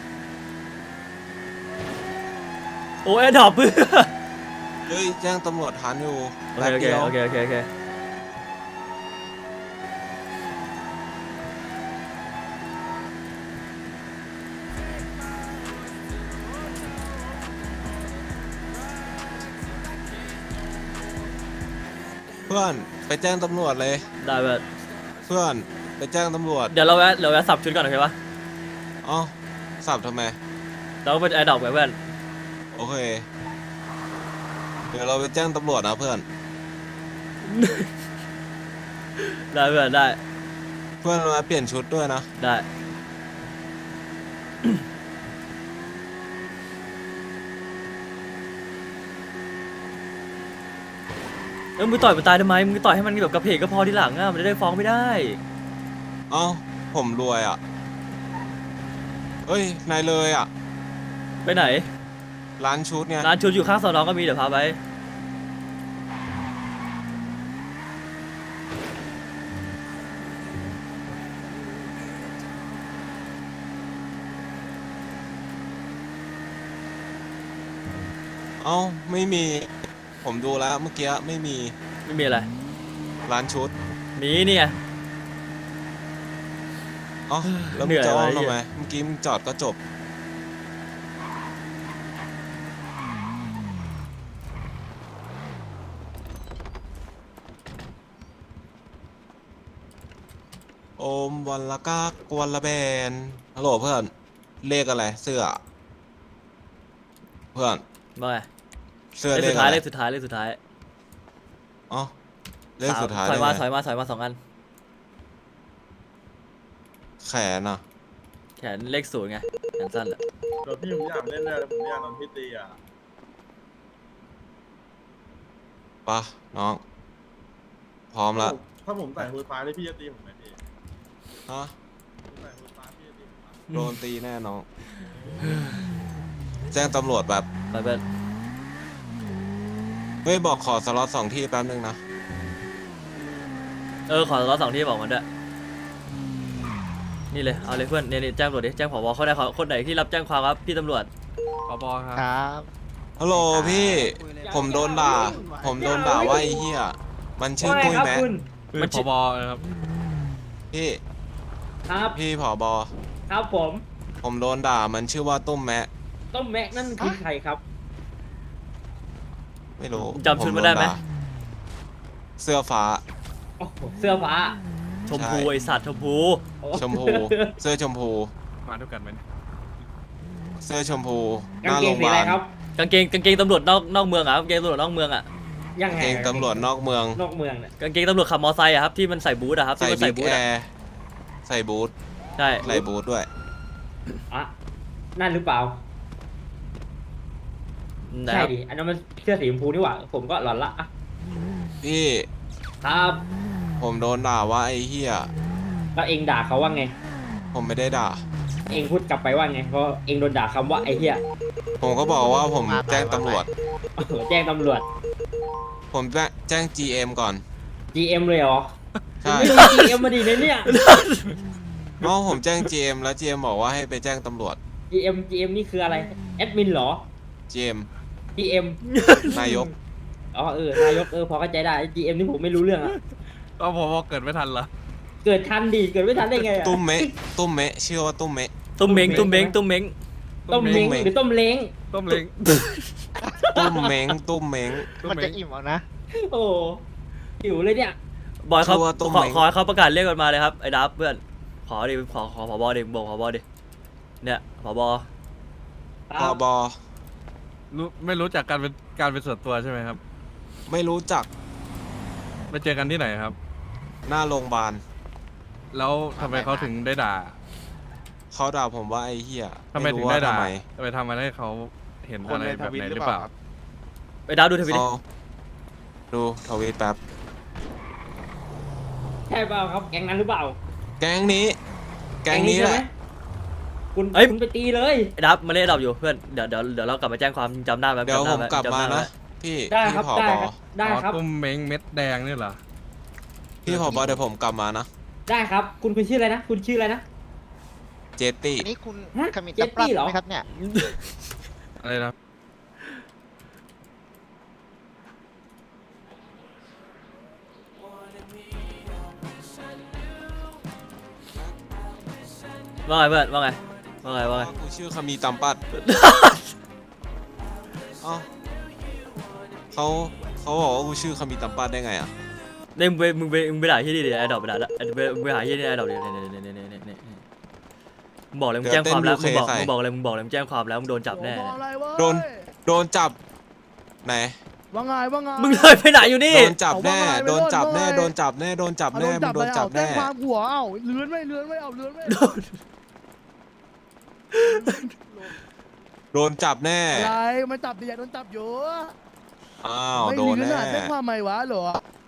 [SPEAKER 4] โอ้แอดดอปเพื่อน
[SPEAKER 1] เฮ้ยแจ้งตำรวจทันอยู่
[SPEAKER 4] โอ
[SPEAKER 1] แป๊บ
[SPEAKER 4] เค
[SPEAKER 1] เดียว
[SPEAKER 4] โอเคโอเคโอเค
[SPEAKER 1] เพื่อนไปแจ้งตำรวจเลย
[SPEAKER 4] ได้เพื่อน
[SPEAKER 1] เพื่อนไปแจ้งตำรวจ
[SPEAKER 4] เดี๋ยวเราแวะเราแวะสับชุดก่อนโอเคปะ
[SPEAKER 1] เอ้าสับทำไม
[SPEAKER 4] เราก็ไปแอดดอปไว้เพื่อน
[SPEAKER 1] โอเค เดี๋ยวเราไปแจ้งตำรวจนะเพื่อน
[SPEAKER 4] ได้เพื่อนได้
[SPEAKER 1] เพื่อนมาเปลี่ยนชุดด้วยนะ
[SPEAKER 4] ได้เออมึงต่อยมันตายทำไมมึงต่อยให้มันแบบกระเพกก็พอที่หลังอ่ะมันจะได้ฟ้องไม่ได้
[SPEAKER 1] เอ้าผมรวยอ่ะเอ้ยนายเลยอ่ะ
[SPEAKER 4] ไปไหน
[SPEAKER 1] ร้านชุดเนี่ย
[SPEAKER 4] ร้านชุดอยู่ข้างสอนอก็มีเดี๋ยวพาไป
[SPEAKER 1] เอ้าไม่มี ผมดูแล้วเมื่อกี้ไม่มี
[SPEAKER 4] ไม่มีอะไร
[SPEAKER 1] ร้านชุด
[SPEAKER 4] มีเนี่ย
[SPEAKER 1] เอ้าแล้ว
[SPEAKER 4] เหนื่
[SPEAKER 1] มึง
[SPEAKER 4] อย
[SPEAKER 1] จะอ้อม
[SPEAKER 4] ว่ะ
[SPEAKER 1] ทำไม
[SPEAKER 4] ไอ้เหี้ย
[SPEAKER 1] เมื่อกี้มึงจอดก็จบ โอมวันละกากกวนละแบนฮัลโหลเพื่อน เลขอะไร เสื้อ เพื่อน
[SPEAKER 4] ว่าไง
[SPEAKER 1] เสื้อ
[SPEAKER 4] เล
[SPEAKER 1] เล
[SPEAKER 4] ข
[SPEAKER 1] ข
[SPEAKER 4] สุดท้าย
[SPEAKER 1] อะไร
[SPEAKER 4] เลขสุดท้ายเลขสุดท้าย
[SPEAKER 1] อ๋อเลขสุดท้าย
[SPEAKER 4] ถอยมา
[SPEAKER 1] เลข
[SPEAKER 4] ถ
[SPEAKER 1] อะ
[SPEAKER 4] อย
[SPEAKER 1] ไร
[SPEAKER 4] มาถอยมาสองอัน
[SPEAKER 1] แขนอ่ะ
[SPEAKER 4] แขนเลขศูนย์ไงแขนสั้นแหละ
[SPEAKER 6] เดี๋ยวพี่ผมอยากเล่นเลยผมอยากโดนพี่ตีอ่ะ
[SPEAKER 1] ปะน้อง พร้อมละ
[SPEAKER 6] ถ้าผมใส่ฮูดฟ้าได้พี่จะตีผมไหมพี่
[SPEAKER 1] ฮะ
[SPEAKER 6] ผมใส่ฮูดฟ้าพี่จะตีผมไหม
[SPEAKER 1] โดนตีแน่น้อง แจ้งตำรวจแบบ
[SPEAKER 4] ไปเพื่อน
[SPEAKER 1] เฮ้ย บอกขอสล็อตสองที่แป๊บนึงนะ
[SPEAKER 4] เออขอร้อสองที่บอกมันด้วยนี่เลยเอาเลยเพื่อนเนี่ยนี่แจ้งตำรวจดิแจ้งผบเขาได้ขอคนไหนที่รับแจ้งความครับพี่ตำรวจ
[SPEAKER 2] ผบครับ
[SPEAKER 3] ครับ
[SPEAKER 1] ฮัลโหลพี่ ผมโดนด่า ผมโดนด่าว่าไอ้เหี้ย มันชื่อตุ้ยแมะ
[SPEAKER 4] มันชื่อ
[SPEAKER 2] ครับ
[SPEAKER 1] พี่
[SPEAKER 8] ครับ
[SPEAKER 1] พี่ผอบอ
[SPEAKER 8] ครับผม
[SPEAKER 1] ผมโดนด่า มันชื่อว่าตุ้มแมะ
[SPEAKER 8] ต้มแม็กนั่นคือใครครับ
[SPEAKER 1] ไม่รู้
[SPEAKER 4] จำชุดมาได้ไหม
[SPEAKER 1] ผโาเสื้อฟ้า
[SPEAKER 8] โอ้โหเสื้อฟ้า
[SPEAKER 4] ชมพู
[SPEAKER 1] ใช่
[SPEAKER 4] ไอสัตว์ชมพู
[SPEAKER 8] โอ้
[SPEAKER 1] ชมพู เสื้อชมพู
[SPEAKER 2] มาด้วยกันไหม
[SPEAKER 1] เสื้อชมพูห
[SPEAKER 8] กาง
[SPEAKER 1] น้า
[SPEAKER 8] เก
[SPEAKER 1] โรง งพ
[SPEAKER 8] สี
[SPEAKER 1] ยา
[SPEAKER 8] อะไร
[SPEAKER 1] บาล
[SPEAKER 8] ครับ
[SPEAKER 4] กางเกงกางเกงตำรวจนอกนอกเมืองอ่ะกางเกงตำรวจนอกเมืองอ่ะ
[SPEAKER 8] ยังไง
[SPEAKER 1] เกงตำรวจนอกเมือง
[SPEAKER 8] นอกเมืองเนี่ย
[SPEAKER 4] กางเกงตำรวจขับมอไซค์อะครับที่มันใส่บูทอะครับ
[SPEAKER 1] ใส่
[SPEAKER 4] ที่มัน
[SPEAKER 1] บิ๊
[SPEAKER 4] ใส่
[SPEAKER 1] ก
[SPEAKER 4] บูท
[SPEAKER 1] แอ
[SPEAKER 4] อะ
[SPEAKER 1] ร์ใส่บูท
[SPEAKER 4] ใช่
[SPEAKER 1] ใส่บูทด้วย
[SPEAKER 8] อ่ะนั่นหรือเปล่า
[SPEAKER 4] นะ
[SPEAKER 8] ใช่
[SPEAKER 4] ครับ
[SPEAKER 8] ดิอันนั้นมันเสื้อสีชมพูนี่หว่าผมก็หลอนละอ่ะ
[SPEAKER 1] พี่
[SPEAKER 8] ครับ
[SPEAKER 1] ผมโดนด่าว่าไอ้เหี้ย
[SPEAKER 8] แล้วเองด่าเขาว่าไง
[SPEAKER 1] ผมไม่ได้ด่า
[SPEAKER 8] เองพูดกลับไปว่าไงเพราะเองโดนด่าคำว่าไอ้เหี้ย
[SPEAKER 1] ผมก็บอกว่าผมแจ้งตำรวจ
[SPEAKER 8] โอ้โหแจ้งตำรวจ
[SPEAKER 1] ผมแจ้งแจ้ง จี เอ็ม ก่อน
[SPEAKER 8] จี เอ็ม เลยเหรอ
[SPEAKER 1] ใช่
[SPEAKER 8] ไม่รู้ จี เอ็ม มาดีเลยเนี่ย
[SPEAKER 1] เอ้าผมแจ้ง จี เอ็ม แล้ว จี เอ็ม บอกว่าให้ไปแจ้งตำรวจ
[SPEAKER 8] จี เอ็ม จี เอ็ม นี่คืออะไรแอดมินเหรอ
[SPEAKER 1] จี เอ็ม
[SPEAKER 8] จี เอ็ม
[SPEAKER 1] นายก
[SPEAKER 8] อ๋อเออนายกเออพอเข้าใจได้ จี เอ็ม นี่ผมไม่รู้เรื่องอะ
[SPEAKER 2] ก็ผบเกิดไม่ทันเหรอ
[SPEAKER 8] เกิดทันดีเกิดไม่ทันได้ไงอะ
[SPEAKER 1] ตุ้มเมะ ตุ้มเมะชื่อว่าตุ้มเมะ
[SPEAKER 4] ตุ้มเม้งตุ้มเม้งตุ้มเม้ง
[SPEAKER 8] ต้มเล้ง
[SPEAKER 1] ต้มเล้ง
[SPEAKER 8] หรือต้มเล้ง
[SPEAKER 2] ต้มเล้ง
[SPEAKER 1] ตุ้มเม้ง ตุ้มเม้ง
[SPEAKER 3] มันจะอิ่มเอานะ
[SPEAKER 8] โอ้หิวเลยเนี่ย
[SPEAKER 4] บอยเขา
[SPEAKER 1] ชื่อว่าตุ้ม
[SPEAKER 4] ขอ
[SPEAKER 1] เม้ง
[SPEAKER 4] ขอให้เขาประกาศเรียกกันมาเลยครับไอ้ดับเพื่อนขอดิขอขอผบดิบอกผบดิเนี่ยผบ
[SPEAKER 1] ผอบอ
[SPEAKER 2] รู้ไม่รู้จักการเป็นการเป็นส่วนตัวใช่ไหมครับ
[SPEAKER 1] ไม่รู้จัก
[SPEAKER 9] ไปเจอกันที่ไหนครับ
[SPEAKER 1] หน้าโรงพยาบาล
[SPEAKER 9] แล้วทำไมเขาถึงได้ด่า
[SPEAKER 1] เขาด่าผมว่าไอ้เหี้ย
[SPEAKER 9] ทำไมถึง
[SPEAKER 1] รู้
[SPEAKER 9] ได้
[SPEAKER 1] ว่า
[SPEAKER 9] ด่า
[SPEAKER 1] ทำไม
[SPEAKER 9] ไปทำอะไรให้เขาเห็นอะไรแบบไหนหรือเปล่า
[SPEAKER 4] ไปดาวดูทวิตดิ
[SPEAKER 1] เขาดูทวีตแป๊บ
[SPEAKER 8] ใช่เปล่าครับ แก๊งนั้นหรือเปล่า
[SPEAKER 1] แก๊งนี้ แก๊งนี้แห
[SPEAKER 8] ใช่
[SPEAKER 1] ละ
[SPEAKER 8] ไมคุณคุณไปตีเลย
[SPEAKER 4] ไอ้ดับมาเล่นดับอยู่เพื่อนเดี๋ยวเดี๋ยวเดี๋ยวเรากลับมาแจ้งความจำได้ไหม
[SPEAKER 1] เดี๋ยว
[SPEAKER 4] จำ
[SPEAKER 1] ผ
[SPEAKER 4] ได้
[SPEAKER 1] ม
[SPEAKER 4] ไห
[SPEAKER 1] กลับมา
[SPEAKER 4] จำได้ไห
[SPEAKER 1] นะ พี่
[SPEAKER 8] ได้
[SPEAKER 1] พี่
[SPEAKER 8] ครับ
[SPEAKER 1] ผอ
[SPEAKER 8] ได้
[SPEAKER 1] บ
[SPEAKER 8] ครับได้ครับ
[SPEAKER 9] ตุ้มเม้งเม็ดแดงนี่เหรอ
[SPEAKER 1] พี่ผอบอเดี๋ยวผมกลับมานะ
[SPEAKER 8] ได้ครับ คุณคุณชื่ออะไรนะ คุณชื่ออะไรนะ
[SPEAKER 1] เจตตี้
[SPEAKER 10] นี่คุณ
[SPEAKER 8] ฮะ
[SPEAKER 10] ขมิ้น
[SPEAKER 8] เจ
[SPEAKER 10] ตะ
[SPEAKER 8] ต
[SPEAKER 10] ปรับ
[SPEAKER 8] ตี้เหรอ
[SPEAKER 10] ไหมครับเนี่ย
[SPEAKER 9] อะไรนะ
[SPEAKER 4] ว่าไงเพื่อนว่าไงว่าไงว่าไง
[SPEAKER 1] กูชื่อคามีตัมปัด เอ้าเขาเขาบอกว่ากูชื่อคามีตัมปัดได้ไงอ่ะ
[SPEAKER 4] เล่นมึงไปมึงไปมึงไปด่าที่นี่ดิไอ้ดอกไปด่าละมึงไปมึงไปหาที่นี่ไอ้ดอกดิเนี่ยเนี่ยเนี่ยเนี่ยเนี่ยเนี่ยมึงบอกเลยมึงแจ้งความแล้วมึงบอกมึงบอกเลยมึงบอกเลยมึงแจ้งความแล้วมึงโดนจับแน่
[SPEAKER 3] โดนอะไรเว้ย
[SPEAKER 1] โดน โดนจับไหน
[SPEAKER 3] ว่าไงว่าไง
[SPEAKER 4] มึงเลยไปไหนอยู่นี่
[SPEAKER 1] โดนจับแน่
[SPEAKER 3] เอาว่าไง
[SPEAKER 1] โดนจับแน่
[SPEAKER 3] ว่าไง
[SPEAKER 1] โดนจับแน่ โดนจับ
[SPEAKER 3] เอา
[SPEAKER 1] แน่ มึงโดนจับ
[SPEAKER 3] แจ้
[SPEAKER 1] แน่
[SPEAKER 3] งความหัวเอ้าเลื้อนไม่เลื้อนไม่เอาเลื้อนไม่
[SPEAKER 1] โดนจับแน่
[SPEAKER 3] อะไรมันจับดิอยากโดนจับอยู่
[SPEAKER 1] อ้าว
[SPEAKER 3] ไม่
[SPEAKER 1] โดน
[SPEAKER 3] เลื้อน
[SPEAKER 1] แน่
[SPEAKER 3] อะแจ้งความไหมวะเหรอ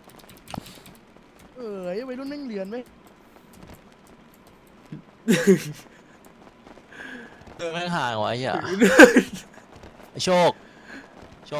[SPEAKER 3] เออไอ้วัยรุ่นแม่งเลื้อนไหม
[SPEAKER 10] เออแม่งห่างวะไอ้เหี้ย ไอ้โชค